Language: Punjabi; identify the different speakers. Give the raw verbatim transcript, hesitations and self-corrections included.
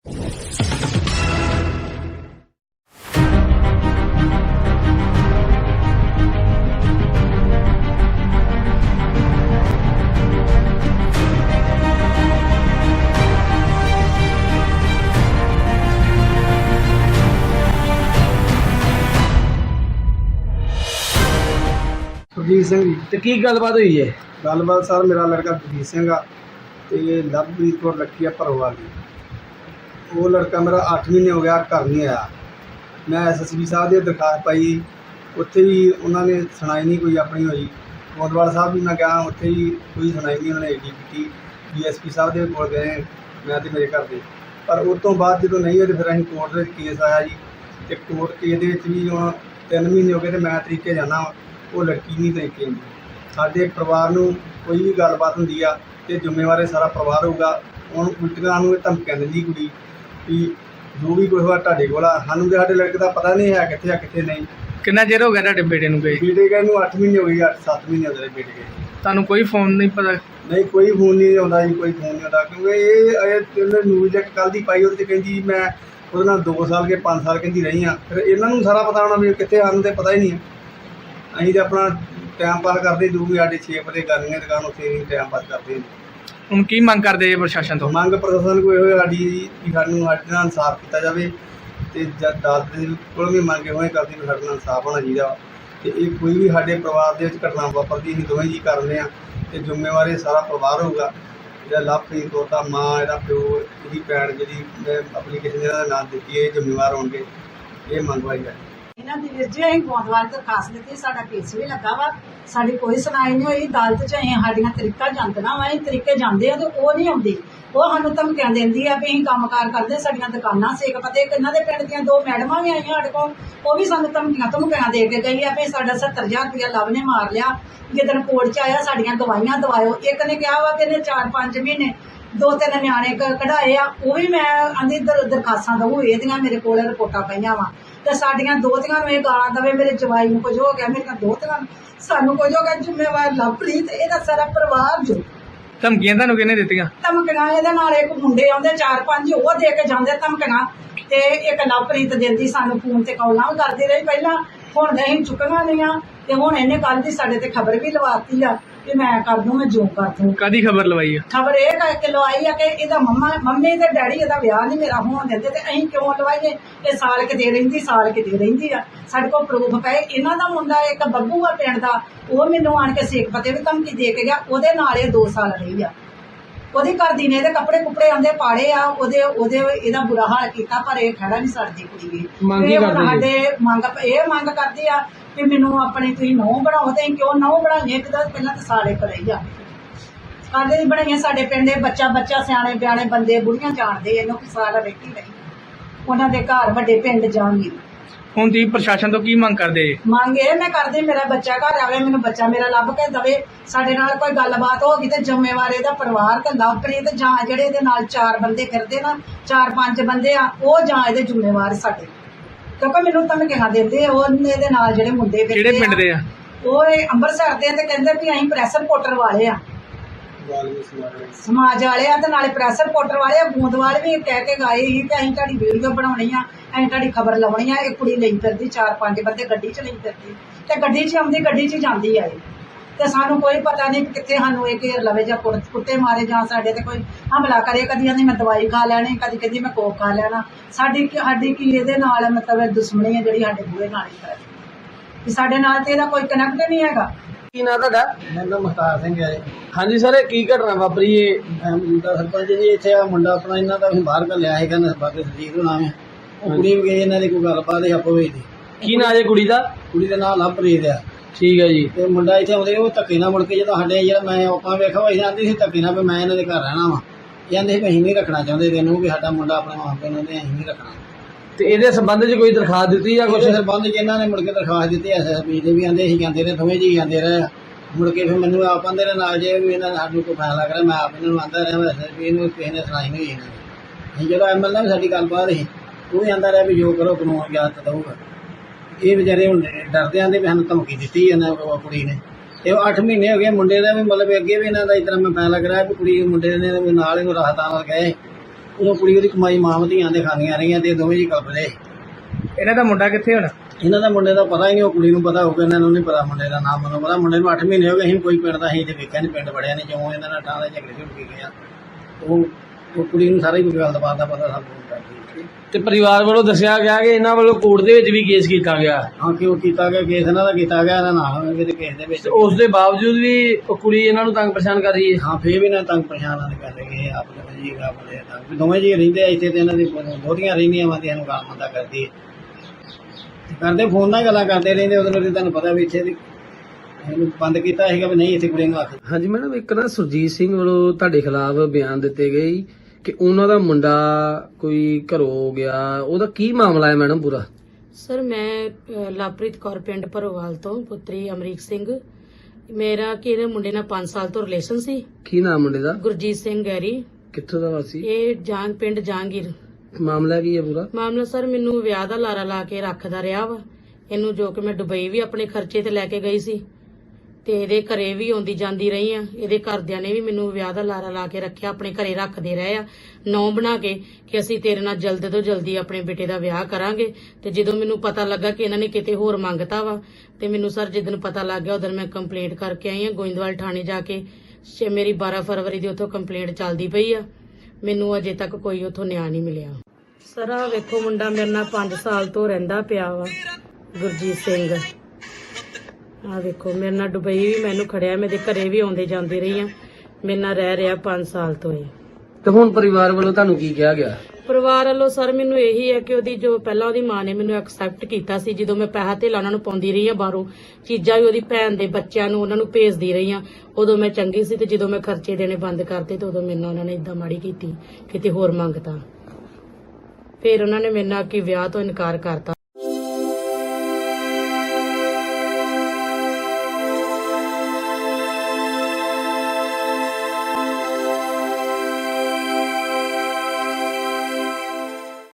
Speaker 1: सुरजीत सिंह जी।
Speaker 2: तो की गलबात हुई है?
Speaker 1: गलबात सर मेरा लड़का सुरजीत सिंह आ ते लवप्रीत कौर लड़की है भरोवाल की। वो लड़का मेरा अठ महीने हो गया घर नहीं आया। मैं एस एस पी साहब की दरखास्त पाई, उत्थे भी उन्होंने सुनाई नहीं कोई अपनी हुई। गोंदवाल साहब भी मैं गया, उत्थे भी कोई सुनाई नहीं उन्होंने एडी की। डी एस पी साहब के कोल गए मैं तो मेरे घर के, पर उस तो बाद जो नहीं होए तो फिर अं कोर्ट केस आया जी। तो कोर्ट केस भी हम तीन महीने हो गए तो मैं तरीके जाना, वो लड़की नहीं तरीके आती। साढ़े परिवार में कोई भी गलबात होंगी आ तो जिम्मेवार सारा परिवार होगा। हम उल्टियां सानूं धमकियां दिंदी कुड़ी भी जो भी कुछ होया तुहाडे कोल आ, सानूं तो साडे लड़के का पता नहीं है कित्थे आ कित्थे नहीं।
Speaker 2: कितना चिर हो गया तुहाडे बेटे नूं गए?
Speaker 1: बेटे गए नूं अठ महीने हो गए, अठ सत्त महीने हो गए बेटे गए।
Speaker 2: तुहानूं कोई फोन नहीं पता?
Speaker 1: नहीं कोई फोन नहीं आउंदा जी, कोई फोन नहीं आउंदा क्योंकि ये न्यूज़ एक कल दी पाई उहदे कहंदी मैं ਉਹਦੇ ਨਾਲ दो साल के पाँच साल कहती रही हाँ। फिर इन्हों सारा पता होना भी कितने आने तो पता ही नहीं है। अं तो अपना टाइम पास करते जो भी साढ़े छे बजे करनी दुकान उत्थे टाइम पास करते हैं।
Speaker 2: ਹੁਣ ਕੀ ਮੰਗ ਕਰਦੇ ਜੇ ਪ੍ਰਸ਼ਾਸਨ ਤੋਂ?
Speaker 1: ਮੰਗ ਪ੍ਰਸ਼ਾਸਨ को ਇਹੋ ਸਾਡੀ ਕਿ ਸਾਨੂੰ ਸਾਡੇ ਨਾਲ ਇਨਸਾਫ ਕੀਤਾ ਜਾਵੇ ਤੇ ਜਦ ਅਦਾਲਤ ਦੇ ਕੋਲ ਵੀ ਮੰਗ ਹੋਏ ਕਰਦੀ ਵੀ ਸਾਡੇ ਨਾਲ ਇਨਸਾਫ ਹੋਣਾ ਚਾਹੀਦਾ। ਤੇ ਇਹ ਕੋਈ ਵੀ ਸਾਡੇ ਪਰਿਵਾਰ ਦੇ ਵਿੱਚ ਘਟਨਾ ਵਾਪਰਦੀ ਅਸੀਂ ਦੋਵੇਂ ਜੀ ਕਰਦੇ ਹਾਂ ਤੇ ਜ਼ਿੰਮੇਵਾਰ ਇਹ ਸਾਰਾ ਪਰਿਵਾਰ ਹੋਊਗਾ। ਜਿਹੜਾ ਲਵਪ੍ਰੀਤ ਕੌਰ ਦਾ ਮਾਂ, ਇਹਦਾ ਪਿਓ, ਇਹਦੀ ਭੈਣ ਜਿਹੜੀ ਮੈਂ ਐਪਲੀਕੇਸ਼ਨ ਇਹਨਾਂ ਦਾ ਨਾਮ ਦਿੱਤੀ ਹੈ, ਇਹ ਜ਼ਿੰਮੇਵਾਰ ਹੋਣਗੇ। ਇਹ ਮੰਗਵਾਈ ਹੈ
Speaker 3: ਇਹਨਾਂ ਦੀ ਵੀਰ ਜੀ। ਅਸੀਂ ਗੋਂਦਵਾਲ ਦਰਖਾਸਤ ਦਿੱਤੀ, ਸਾਡਾ ਕੇਸ ਵੀ ਲੱਗਾ ਵਾ, ਸਾਡੀ ਕੋਈ ਸੁਣਾਈ ਨਹੀਂ ਹੋਈ। ਅਦਾਲਤ 'ਚ ਅਸੀਂ ਸਾਡੀਆਂ ਤਰੀਕਾ ਜਾਂਦੀਆਂ ਵਾ, ਅਸੀਂ ਤਰੀਕੇ ਜਾਂਦੇ ਆ ਤੇ ਉਹ ਨਹੀਂ ਆਉਂਦੀ। ਉਹ ਸਾਨੂੰ ਧਮਕੀਆਂ ਦਿੰਦੀ ਆ ਵੀ ਅਸੀਂ ਕੰਮਕਾਰ ਕਰਦੇ, ਸਾਡੀਆਂ ਦੁਕਾਨਾਂ ਸੇਕ ਪਤੇ। ਇਹਨਾਂ ਦੇ ਪਿੰਡ ਦੀਆਂ ਦੋ ਮੈਡਮਾਂ ਵੀ ਆਈਆਂ ਸਾਡੇ ਕੋਲ, ਉਹ ਵੀ ਸਾਨੂੰ ਧਮਕੀਆਂ ਧਮਕੀਆਂ ਦੇ ਕੇ ਗਈ ਆ ਵੀ ਸਾਡਾ ਸੱਤਰ ਹਜ਼ਾਰ ਰੁਪਇਆ ਲਵ ਨੇ ਮਾਰ ਲਿਆ। ਜਿੱਦਣ ਕੋਰਟ 'ਚ ਆਇਆ ਸਾਡੀਆਂ ਦਵਾਈਆਂ ਦਵਾਇਓ। ਇੱਕ ਨੇ ਕਿਹਾ ਵਾ ਕਿ ਇਹਨੇ ਚਾਰ ਪੰਜ ਮਹੀਨੇ ਦੋ ਤਿੰਨ ਨਿਆਣੇ ਕਢਾਏ ਆ, ਉਹ ਵੀ ਮੈਂ ਆਂਦੀ ਦਰਖਾਸਤਾਂ ਦਊ। ਇਹਦੀਆਂ ਮੇਰੇ ਕੋਲ ਰਿਪੋਰਟਾਂ ਪਈਆਂ ਵਾ ਤੇ ਸਾਡੀਆਂ ਦੋਹਤੀਆਂ ਨੂੰ ਇਹ ਗਾਲਾਂ ਦਵੇ, ਮੇਰੇ ਜਵਾਈ ਨੂੰ ਕੁਝ ਹੋ ਗਿਆ, ਮੇਰੀਆਂ ਦੋਹਤੀਆਂ ਸਾਨੂੰ ਕੁਝ ਹੋ ਗਿਆ। ਜ਼ਿੰਮੇਵਾਰ ਲਵਪ੍ਰੀਤ, ਇਹਦਾ ਸਾਰਾ ਪਰਿਵਾਰ ਜੋ।
Speaker 2: ਧਮਕੀਆਂ ਤੁਹਾਨੂੰ ਕਿਹਨੇ ਦਿੱਤੀਆਂ?
Speaker 3: ਧਮਕੀਆਂ ਇਹਦੇ ਨਾਲ ਇੱਕ ਮੁੰਡੇ ਆਉਂਦੇ ਚਾਰ ਪੰਜ, ਉਹ ਦੇ ਕੇ ਜਾਂਦੇ ਧਮਕੀਆਂ, ਤੇ ਇੱਕ ਲਵਪ੍ਰੀਤ ਦਿੰਦੀ ਸਾਨੂੰ ਫੋਨ ਤੇ ਕਾਲਾਂ ਵੀ ਕਰਦੀ ਰਹੀ ਪਹਿਲਾਂ। ਹੁਣ ਅਸੀਂ ਚੁੱਕੀਆਂ ਨਹੀਂ ਆ ਤੇ ਹੁਣ ਇਹਨੇ ਕੱਲ ਦੀ ਸਾਡੇ ਤੇ ਖਬਰ ਵੀ ਲਵਾਤੀ ਆ ਕਿ ਮੈਂ ਕਰ ਦੂੰ, ਮੈਂ ਜੋ ਕਰ ਦੂੰ।
Speaker 2: ਕਾਦੀ ਖਬਰ ਲਵਾਈ ਆ?
Speaker 3: ਖਬਰ ਇਹ ਕਰਕੇ ਲਵਾਈ ਆ ਕਿ ਇਹਦਾ ਮੰਮਾ ਮੰਮੀ ਤੇ ਡੈਡੀ ਇਹਦਾ ਵਿਆਹ ਨਹੀਂ ਮੇਰਾ ਹੋਣ ਦਿੰਦੇ ਤੇ ਅਸੀਂ ਕਿਉਂ ਲਵਾਈਏ? ਇਹ ਸਾਲ ਕਿਤੇ ਰਹਿੰਦੀ ਸਾਲ ਕਿਤੇ ਰਹਿੰਦੀ ਆ, ਸਾਡੇ ਕੋਲ ਪ੍ਰੂਫ ਪਏ। ਇਹਨਾਂ ਦਾ ਮੁੰਡਾ ਇੱਕ ਬੱਬੂ ਆ ਪਿੰਡ ਦਾ, ਉਹ ਮੈਨੂੰ ਆਣ ਕੇ ਸੇਕ ਪਤੇ ਵੀ ਧਮਕੀ ਦੇ ਕੇ ਗਿਆ। ਉਹਦੇ ਨਾਲ ਇਹ ਦੋ ਸਾਲ ਰਹੀ ਆ। ਉਹਦੀ ਘਰਦੀ ਨੇ ਇਹਦੇ ਕੱਪੜੇ ਕੁੱਪੜੇ ਆਂਦੇ ਪਾੜੇ ਆ, ਉਹਦੇ ਉਹਦੇ ਇਹਦਾ ਬੁਰਾ ਹਾਲ ਕੀਤਾ, ਪਰ ਇਹ ਖੜਾ ਨਹੀਂ ਸਰਦੀ ਕੁੜੀ ਵੀ। ਸਾਡੇ ਮੰਗ ਇਹ ਮੰਗ ਕਰਦੀ ਆ ਕਿ ਮੈਨੂੰ ਆਪਣੀ ਤੁਸੀਂ ਨਹੁੰ ਬਣਾਓ। ਤੇ ਕਿਉਂ ਨਹੁੰ ਬਣਾਈਏ? ਇੱਕ ਤਾਂ ਪਹਿਲਾਂ ਤਾਂ ਸਾਲੇ ਕਰਾਈ ਆ ਕਾਹਦੇ ਦੀ ਬਣਾਈਆਂ? ਸਾਡੇ ਪਿੰਡ ਬੱਚਾ ਬੱਚਾ ਸਿਆਣੇ ਬਿਆਣੇ ਬੰਦੇ ਬੁੜੀਆਂ ਜਾਣਦੇ ਇਹਨੂੰ ਕਿ ਸਾਲ ਰਹਿਤੀ ਰਹੀ ਉਹਨਾਂ ਦੇ ਘਰ ਵੱਡੇ ਪਿੰਡ ਜਾਣਗੇ।
Speaker 2: ਹੁਣ ਤੁਸੀਂ ਪ੍ਰਸ਼ਾਸਨ ਤੋਂ ਕੀ ਮੰਗ ਕਰਦੇ ਜੇ?
Speaker 3: ਮੰਗ ਇਹ ਮੈਂ ਕਰਦੀ ਮੇਰਾ ਬੱਚਾ ਘਰ ਆਵੇ, ਮੈਨੂੰ ਬੱਚਾ ਮੇਰਾ ਲੱਭ ਕੇ ਦਵੇ। ਸਾਡੇ ਨਾਲ ਕੋਈ ਗੱਲਬਾਤ ਹੋ ਗਈ ਤੇ ਜ਼ਿੰਮੇਵਾਰ ਇਹਦਾ ਪਰਿਵਾਰ ਤੇ ਲਵਪ੍ਰੀਤ ਜਾਂ ਜਿਹੜੇ ਇਹਦੇ ਨਾਲ ਚਾਰ ਬੰਦੇ ਫਿਰਦੇ ਨਾ, ਚਾਰ ਪੰਜ ਬੰਦੇ ਆ, ਉਹ ਜਾਂ ਇਹਦੇ ਜ਼ਿੰਮੇਵਾਰ ਸਾਡੇ। ਕਿਉਂਕਿ ਮੈਨੂੰ ਧਮਕੀਆਂ ਦਿੰਦੇ ਉਹ ਇਹਦੇ ਨਾਲ ਜਿਹੜੇ ਮੁੰਡੇ ਫਿਰਦੇ।
Speaker 2: ਕਿਹੜੇ ਪਿੰਡ ਦੇ ਆ?
Speaker 3: ਉਹ ਅੰਮ੍ਰਿਤਸਰ ਦੇ ਤੇ ਕਹਿੰਦੇ ਵੀ ਅਸੀਂ ਪ੍ਰੈਸ ਰਿਪੋਰਟਰ ਵਾਲੇ ਆ, ਸਮਾਜ ਵਾਲੇ ਆ ਤੇ ਨਾਲੇ ਪ੍ਰੈਸ ਰਿਪੋਰਟਰ ਵਾਲੇ ਆ। ਗੋਂਦਵਾਲ ਵੀ ਕਹਿ ਕੇ ਗਏ ਸੀ ਕਿ ਅਸੀਂ ਤੁਹਾਡੀ ਵੀਡੀਓ ਬਣਾਉਣੀ ਆ, ਅਸੀਂ ਤੁਹਾਡੀ ਖਬਰ ਲਾਉਣੀ ਆ। ਇਹ ਕੁੜੀ ਲਈ ਫਿਰਦੀ, ਚਾਰ ਪੰਜ ਬੰਦੇ ਗੱਡੀ 'ਚ ਲਈ ਫਿਰਦੀ ਤੇ ਗੱਡੀ 'ਚ ਆਉਂਦੀ, ਗੱਡੀ 'ਚ ਜਾਂਦੀ ਆ ਇਹ। ਤੇ ਸਾਨੂੰ ਕੋਈ ਪਤਾ ਨਹੀਂ ਕਿੱਥੇ ਸਾਨੂੰ ਇਹ ਘੇਰ ਲਵੇ ਜਾਂ ਕੁੱਟੇ ਮਾਰੇ ਜਾਂ ਸਾਡੇ ਤੇ ਕੋਈ ਹਮਲਾ ਕਰੇ। ਕਦੀ ਆਂਦੀ ਮੈਂ ਦਵਾਈ ਖਾ ਲੈਣੀ, ਕਦੀ ਕਹਿੰਦੀ ਮੈਂ ਕੋਕ ਖਾ ਲੈਣਾ। ਸਾਡੀ ਸਾਡੀ ਕੀ ਇਹਦੇ ਨਾਲ ਮਤਲਬ ਦੁਸ਼ਮਣੀ ਹੈ ਜਿਹੜੀ ਸਾਡੇ ਬੂਹੇ ਨਾਲ ਹੀ ਹੈ। ਸਾਡੇ ਨਾਲ ਤੇ ਇਹਦਾ ਕੋਈ ਕਨੈਕਟ ਨਹੀਂ ਹੈਗਾ।
Speaker 2: ਕੀ ਨਾਂ ਤੁਹਾਡਾ?
Speaker 1: ਮੇਰਾ ਨਾਮ ਮੁਖਤਾਰ ਸਿੰਘ ਹੈ।
Speaker 2: ਹਾਂਜੀ ਸਰ, ਕੀ ਘਟਨਾ ਵਾਪਰੀ ਏ?
Speaker 1: ਮੁੰਡਾ ਸਰਪੰਚ ਜੀ ਇੱਥੇ ਆ ਮੁੰਡਾ ਆਪਣਾ ਇਹਨਾਂ ਦਾ ਅਸੀਂ ਬਾਹਰ ਘੱਲਿਆ ਸੀਗਾ ਨਸਬਤ ਸਦੀਕ ਦਾ ਨਾਮ ਹੈ। ਉਹ ਕੁੜੀ ਵੀ ਗਈ, ਇਹਨਾਂ ਦੀ ਕੋਈ ਗੱਲਬਾਤ ਹੈ ਆਪੋ ਵਿੱਚ ਦੀ।
Speaker 2: ਕੀ ਨਾਂ ਜੇ ਕੁੜੀ ਦਾ?
Speaker 1: ਕੁੜੀ ਦਾ ਨਾਮ ਲਵਪ੍ਰੀਤ ਆ।
Speaker 2: ਠੀਕ ਹੈ ਜੀ।
Speaker 1: ਤੇ ਮੁੰਡਾ ਇੱਥੇ ਆਉਂਦੇ ਉਹ ਧੱਕੇ ਨਾਲ ਮੁੜ ਕੇ ਜਦੋਂ ਸਾਡੇ ਜਿਹੜਾ ਮੈਂ ਆਪਾਂ ਵੇਖਿਆ ਹੋਈ ਜਾਂਦੀ ਸੀ ਧੱਕੇ ਨਾਲ ਵੀ ਮੈਂ ਇਹਨਾਂ ਦੇ ਘਰ ਰਹਿਣਾ ਵਾ। ਕਹਿੰਦੇ ਸੀ ਵੀ ਅਸੀਂ ਨਹੀਂ ਰੱਖਣਾ ਚਾਹੁੰਦੇ ਤੈਨੂੰ, ਵੀ ਸਾਡਾ ਮੁੰਡਾ ਆਪਣੇ ਮਾਂ ਪਿਓ ਨੂੰ ਤੇ ਅਸੀਂ ਨਹੀਂ ਰੱਖਣਾ।
Speaker 2: ਤੇ ਇਹਦੇ ਸੰਬੰਧ 'ਚ ਕੋਈ ਦਰਖਾਸਤ ਦਿੱਤੀ ਜਾਂ ਕੁਛ?
Speaker 1: ਸੰਬੰਧ 'ਚ ਇਹਨਾਂ ਨੇ ਮੁੜ ਕੇ ਦਰਖਾਸਤ ਦਿੱਤੀ ਐਸ ਐਸ ਪੀ ਦੇ ਵੀ ਆਂਦੇ ਅਸੀਂ ਜਾਂਦੇ ਰਹੇ, ਦੋਵੇਂ ਜੀ ਜਾਂਦੇ ਰਹੇ। ਮੁੜ ਕੇ ਫਿਰ ਮੈਨੂੰ ਆਪ ਆਂਦੇ ਰਹੇ ਨਾਲ ਜੇ ਵੀ ਇਹਨਾਂ ਨੇ ਸਾਨੂੰ ਕੋਈ ਫੈਸਲਾ ਕਰਿਆ, ਮੈਂ ਆਪ ਇਹਨਾਂ ਨੂੰ ਆਂਦਾ ਰਿਹਾ ਐਸ ਐਸ ਪੀ ਨੂੰ, ਕਿਸੇ ਨੇ ਸੁਣਾਈ ਨਹੀਂ ਇਹਨਾਂ ਨੇ। ਅਸੀਂ ਜਦੋਂ ਐਮ ਐਲ ਏ ਵੀ ਸਾਡੀ ਗੱਲਬਾਤ ਸੀ, ਉਹ ਵੀ ਆਂਦਾ ਰਿਹਾ ਵੀ ਜੋ ਕਰੋ ਕਾਨੂੰਨ ਇਜਾਜ਼ਤ ਦਊਗਾ। ਇਹ ਵਿਚਾਰੇ ਹੁਣ ਡਰਦੇ ਆਂਦੇ ਵੀ ਸਾਨੂੰ ਧਮਕੀ ਦਿੱਤੀ ਇਹਨਾਂ ਕੁੜੀ ਨੇ। ਤੇ ਉਹ ਅੱਠ ਮਹੀਨੇ ਹੋ ਗਏ ਮੁੰਡੇ ਦਾ ਵੀ, ਮਤਲਬ ਅੱਗੇ ਵੀ ਇਹਨਾਂ ਦਾ ਇਸ ਤਰ੍ਹਾਂ ਮੈਂ ਫੈਸਲਾ ਕਰਾਇਆ ਵੀ ਕੁੜੀ ਮੁੰਡੇ ਨੇ ਨਾਲ ਇਹਨੂੰ ਰਾਹਤਾਂ ਨਾਲ ਗਏ
Speaker 4: ਉਦੋਂ ਕੁੜੀ ਉਹਦੀ ਕਮਾਈ ਮਾਂ ਧੀਆਂ ਦੇ ਖਾਂਦੀਆਂ ਰਹੀਆਂ ਤੇ ਦੋਵੇਂ ਜੀ ਕਲਪਦੇ।
Speaker 2: ਇਹਨਾਂ ਦਾ ਮੁੰਡਾ ਕਿੱਥੇ ਹੁਣ?
Speaker 4: ਇਹਨਾਂ ਦਾ ਮੁੰਡੇ ਦਾ ਪਤਾ ਹੀ ਨਹੀਂ, ਉਹ ਕੁੜੀ ਨੂੰ ਪਤਾ ਹੋਊਗਾ, ਇਹਨਾਂ ਨੂੰ ਨਹੀਂ ਪਤਾ ਮੁੰਡੇ ਦਾ ਨਾਮ। ਮੈਨੂੰ ਪਤਾ ਮੁੰਡੇ ਨੂੰ ਅੱਠ ਮਹੀਨੇ ਹੋ ਗਏ, ਅਸੀਂ ਕੋਈ ਪਿੰਡ ਦਾ ਅਸੀਂ ਤੇ ਵੇਖਿਆ ਨਹੀਂ, ਪਿੰਡ ਵੜਿਆ ਨਹੀਂ, ਜਿਉਂ ਇਹਨਾਂ ਨਾਲ ਠਾਂ ਦੇ ਝਗੜੇ ਝੁੜ ਗਿਆ। ਉਹ ਉਹ ਕੁੜੀ ਨੂੰ ਸਾਰਾ ਹੀ ਕੋਈ ਗੱਲ ਦਾ ਪਤਾ ਪਤਾ ਸਭ ਕੁਝ ਕਰਦੀ।
Speaker 2: ਤੇ ਪਰਿਵਾਰ ਵੱਲੋਂ ਦੱਸਿਆ ਗਿਆ ਕਿ ਇਹਨਾਂ ਵੱਲੋਂ ਕੋਰਟ ਦੇ ਵਿੱਚ ਵੀ ਕੇਸ ਕੀਤਾ ਗਿਆ,
Speaker 4: ਹਾਂ ਕਿਉਂ ਕੀਤਾ ਗਿਆ ਕੇਸ ਇਹਨਾਂ ਦਾ ਕੀਤਾ ਗਿਆ, ਇਹਨਾਂ ਨਾਲ ਹੋਣਗੇ ਤੇ ਕੇਸ ਦੇ ਵਿੱਚ।
Speaker 2: ਤੇ ਉਸ ਦੇ ਬਾਵਜੂਦ ਵੀ ਉਹ ਕੁੜੀ ਇਹਨਾਂ ਨੂੰ ਤੰਗ ਪਰੇਸ਼ਾਨ ਕਰ ਰਹੀ ਹੈ।
Speaker 4: ਹਾਂ ਫੇਰ ਵੀ ਨਾ ਤੰਗ ਪਰੇਸ਼ਾਨ ਆਦੇ ਕਰ ਲਗੇ ਆਪ ਦੋਵੇਂ ਜੀ ਆਪਣੇ ਤੰਗ ਦੋਵੇਂ ਜੀ ਰਹਿੰਦੇ ਆ ਇੱਥੇ ਤੇ ਇਹਨਾਂ ਦੀ ਬਹੁਤੀਆਂ ਰਹਿੰਦੀਆਂ ਵਾ ਤੇ ਇਹਨੂੰ ਗਾਲ ਮੰਦਾ ਕਰਦੀ ਹੈ, ਕਰਦੇ ਫੋਨ ਨਾਲ ਗੱਲਾਂ ਕਰਦੇ ਰਹਿੰਦੇ। ਉਹਦੇ ਨਾਲ ਤੁਹਾਨੂੰ ਪਤਾ ਵੀ ਇੱਥੇ ਦੀ ਇਹਨੂੰ ਬੰਦ ਕੀਤਾ ਸੀਗਾ ਵੀ ਨਹੀਂ ਇੱਥੇ ਕੁੜੀ ਨੂੰ ਆਖ।
Speaker 2: ਹਾਂਜੀ ਮੈਡਮ, ਇੱਕ ਨਾ ਸੁਰਜੀਤ ਸਿੰਘ ਵੱਲੋਂ ਤੁਹਾਡੇ ਖਿਲਾਫ ਬਿਆਨ ਦਿੱਤੇ ਗਏ ਕਿ ਉਹਨਾਂ ਦਾ ਮੁੰਡਾ ਕੋਈ ਘਰੋਂ ਗਿਆ, ਉਹਦਾ ਕੀ ਮਾਮਲਾ ਹੈ ਮੈਡਮ ਪੂਰਾ?
Speaker 5: ਸਰ ਮੈਂ ਅ, ਲਵਪ੍ਰੀਤ ਕੌਰ ਪਿੰਡ ਭਰੋਵਾਲ ਤੋਂ ਪੁੱਤਰੀ ਅਮਰੀਕ ਸਿੰਘ। ਮੇਰਾ ਕਿ ਇਹਦੇ ਮੁੰਡੇ ਨਾਲ ਪੰਜ ਸਾਲ ਤੋਂ ਰਿਲੇਸ਼ਨ ਸੀ।
Speaker 2: ਕੀ ਨਾਮ ਮੁੰਡੇ ਦਾ?
Speaker 5: ਗੁਰਜੀਤ ਸਿੰਘ ਗੈਰੀ।
Speaker 2: ਕਿੱਥੋਂ ਦਾ ਵਾਸੀ?
Speaker 5: ਇਹ ਜਾਂਗ ਪਿੰਡ ਜਾਂਗੀਰ।
Speaker 2: ਮਾਮਲਾ ਕੀ ਹੈ ਪੂਰਾ?
Speaker 5: ਮਾਮਲਾ ਸਰ ਮੈਨੂੰ ਵਿਆਹ ਦਾ ਲਾਰਾ ਲਾ ਕੇ ਰੱਖਦਾ ਰਿਹਾ ਵਾ ਇਹਨੂੰ, ਜੋ ਕਿ ਮੈਂ ਦੁਬਈ ਵੀ ਆਪਣੇ ਖਰਚੇ ਤੇ ਲੈ ਕੇ ਗਈ ਸੀ ਤੇ ਇਹਦੇ ਘਰੇ ਵੀ ਆਉਂਦੀ ਜਾਂਦੀ ਰਹੀ ਆ। ਇਹਦੇ ਘਰਦਿਆਂ ਨੇ ਵੀ ਮੈਨੂੰ ਵਿਆਹ ਦਾ ਲਾਰਾ ਲਾ ਕੇ ਰੱਖਿਆ, ਆਪਣੇ ਘਰੇ ਰੱਖਦੇ ਰਹੇ ਆ ਨੌ ਬਣਾ ਕੇ ਕਿ ਅਸੀਂ ਤੇਰੇ ਨਾਲ ਜਲਦ ਤੋਂ ਜਲਦੀ ਆਪਣੇ ਬੇਟੇ ਦਾ ਵਿਆਹ ਕਰਾਂਗੇ। ਤੇ ਜਦੋਂ ਮੈਨੂੰ ਪਤਾ ਲੱਗਾ ਕਿ ਇਹਨਾਂ ਨੇ ਕਿਤੇ ਹੋਰ ਮੰਗਤਾ ਵਾ ਤੇ ਮੈਨੂੰ ਸਰ ਜਿੱਦਣ ਪਤਾ ਲੱਗ ਗਿਆ ਉਦੋਂ ਮੈਂ ਕੰਪਲੇਂਟ ਕਰਕੇ ਆਈ ਆ ਗੋਇੰਦਵਾਲ ਥਾਣੇ ਜਾ ਕੇ। ਛੇ- ਮੇਰੀ ਬਾਰਾਂ ਫਰਵਰੀ ਦੀ ਉੱਥੋਂ ਕੰਪਲੇਂਟ ਚੱਲਦੀ ਪਈ ਆ, ਮੈਨੂੰ ਅਜੇ ਤੱਕ ਕੋਈ ਉੱਥੋਂ ਨਿਆਂ ਨਹੀਂ ਮਿਲਿਆ। ਸਰ ਆਹ ਵੇਖੋ ਮੁੰਡਾ ਮੇਰੇ ਨਾਲ ਪੰਜ ਸਾਲ ਤੋਂ ਰਹਿੰਦਾ ਪਿਆ ਵਾ, ਗੁਰਜੀਤ ਸਿੰਘ। ਆਹ ਵੇਖੋ ਮੇਰੇ ਨਾਲ ਦੁਬਈ ਵੀ ਮੈਨੂੰ ਖੜਿਆ, ਮੇਰੇ ਘਰੇ ਵੀ ਆਉਂਦੇ ਜਾਂਦੇ ਰਹੀ ਆ, ਮੇਰੇ ਨਾਲ ਰਹਿ ਰਿਹਾ ਪੰਜ ਸਾਲ ਤੋਂ ਇਹ।
Speaker 2: ਤੇ ਹੁਣ ਪਰਿਵਾਰ ਵੱਲੋਂ ਤੁਹਾਨੂੰ ਕੀ ਕਿਹਾ ਗਿਆ?
Speaker 5: ਪਰਿਵਾਰ ਵੱਲੋਂ ਸਰ ਮੈਨੂੰ ਇਹੀ ਹੈ ਕਿ ਉਹਦੀ ਜੋ ਪਹਿਲਾਂ ਉਹਦੀ ਮਾਂ ਨੇ ਮੈਨੂੰ ਐਕਸੈਪਟ ਕੀਤਾ ਸੀ, ਜਦੋਂ ਮੈਂ ਪੈਸਾ ਧੇਲਾ ਉਹਨਾਂ ਨੂੰ ਪਾਉਂਦੀ ਰਹੀ ਆ, ਬਾਹਰੋਂ ਚੀਜ਼ਾਂ ਵੀ ਉਹਦੀ ਭੈਣ ਦੇ ਬੱਚਿਆਂ ਨੂੰ ਉਹਨਾਂ ਨੂੰ ਭੇਜਦੀ ਰਹੀ ਆ, ਉਦੋਂ ਮੈਂ ਚੰਗੀ ਸੀ। ਤੇ ਜਦੋਂ ਮੈਂ ਖਰਚੇ ਦੇਣੇ ਬੰਦ ਕਰਤੇ ਤੇ ਉਦੋਂ ਮੈਨੂੰ ਉਹਨਾਂ ਨੇ ਇਦਾਂ ਮਾੜੀ ਕੀਤੀ, ਕਿਤੇ ਹੋਰ ਮੰਗਤਾ। ਫਿਰ ਉਹਨਾਂ ਨੇ ਮੇਰੇ ਨਾਲ ਕਿ ਵਿਆਹ ਤੋਂ ਇਨਕਾਰ ਕਰਤਾ।